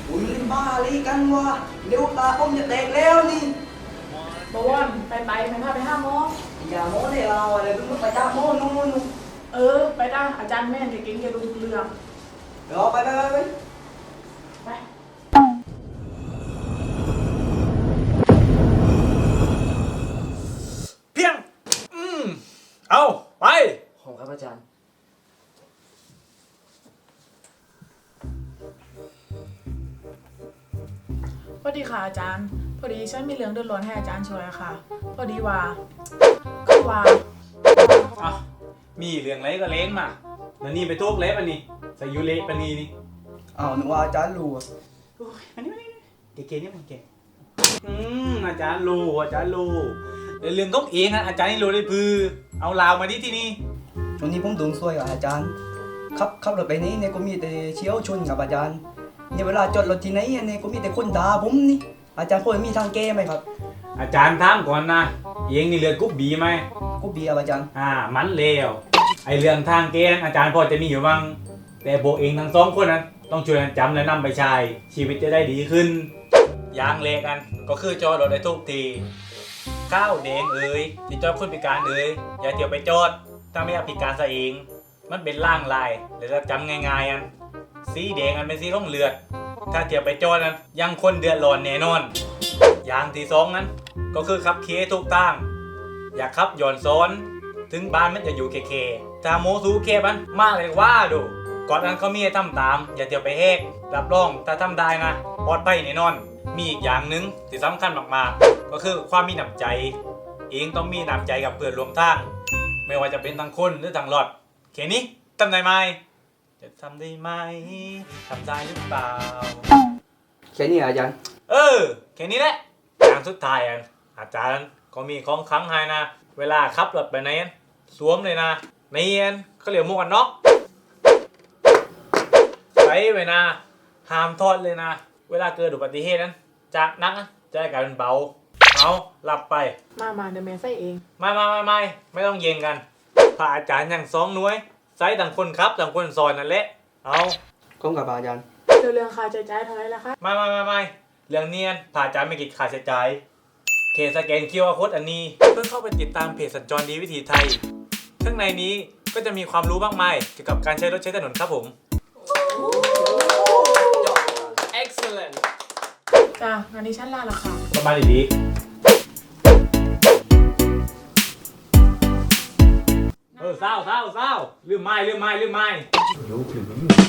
อุ้ยบ้าลีกันวะเดี๋ยวตาผมจะแตกแล้วนี่บวรไปไม่พาไปห้าโมงอย่าโม้ได้เราอะไรเพิ่งไปจ้าโม้นู่นไปได้อาจารย์แม่นเก่งๆจะรู้ทุกเรื่องเดี๋ยวไปไปเพียงเอาไปขอบครับอาจารย์พอดีค่ะอาจารย์พอดีฉันมีเรื่องเดือดร้อนให้อาจารย์ช่วยค่ะพอดีว่าอ่ะมีเรื่องอะไรก็เล้งมาแล้วนี่ไปทุกเล็บอันนี้ใส่ยูเละปนีนี่อ้าวนึกว่าอาจารย์รู้โอ้ยอันนี้เก๋ๆนี่มันเก๋อาจารย์รู้แต่เรื่องต้องเองอ่ะอาจารย์นี่รู้ได้พือเอาลาวมาที่นี่วันนี้ผมโดนซวยกับอาจารย์ขับรถไปนี้เนี่ยก็มีแต่เชี่ยวชนกับอาจารย์เนี่ยเวลาจอดรถที่ไหนเนี่ยก็มีแต่คนด่าผมนี่อาจารย์พอมีทางแก้ไหมครับอาจารย์ถามก่อนนะเองนี่เลือดกุ๊บบีไหมกุ๊บบีครับอาจารย์มันเลวไอเรื่องทางแก้อาจารย์พอจะมีอยู่บ้างแต่พวกเองทั้งสองคนนั้นต้องช่วยกันจำและนำไปใช้ชีวิตจะได้ดีขึ้นอย่างเลกันก็คือจอดรถได้ทุกทีข้าวแดงที่จอดคนพิการอย่าเที่ยวไปจอดถ้าไม่อยากพิการซะเองมันเป็นล่างลายหรือจะจำง่ายๆสีแดงเป็นสีของเลือดถ้าเที่ยวไปจอดนั้นยังคนเดือดร้อนแน่นอนอย่างที่สองนั้นก็คือขับเคทุกตั้งอย่าขับย้อนซ้อนถึงบ้านมันจะอยู่เคถ้าโมซูเคมันมากเลยว่าดูก่อนนั้นเขามีให้ทำตามอย่าเที่ยวไปแหกรับรองถ้าทำได้นะปลอดภัยแน่นอนมีอีกอย่างหนึ่งที่สำคัญมากๆก็คือความมีน้ำใจเองต้องมีน้ำใจกับเพื่อนร่วมทางไม่ว่าจะเป็นทางคนหรือทางรถแค่นี้ทำได้ไหมจะทำได้ไหมทำได้หรือเปล่าแค่นี้อาจารย์แค่นี้แหละอย่างสุดท้ายอาจารย์ก็มีของขลังให้นะเวลาขับรถไปไหนสวมเลยนะในเขาเรียกหมวกกันน็อกใส่ไว้นะห้ามทอดเลยนะเวลาเกิดอุบัติเหตุนั้นจากนักจะได้กลายเป็นเบาเอาหลับไปมาเดี๋ยวแม่ใส่เองไม่ต้องเย็นกันพระอาจารย์อย่าง2 หน่วยใส่ต่างคนครับต่างคนสอนนั่นแหละเอาก้มกับอาจารย์เรื่องค่าใช้จ่ายเท่าไหร่ล่ะคะไม่เรื่องเนียนพระอาจารย์ไม่คิดค่าใช้จ่ายเคสแกนQR Codeอันนี้เพื่อเข้าไปติดตามเพจสัญจรดีวิถีไทยข้างในนี้ก็จะมีความรู้มากมายเกี่ยวกับการใช้รถใช้ถนนครับผม Excellent จ้างานนี้ฉันลาละค่ะสบายดีเศร้าลืมไม้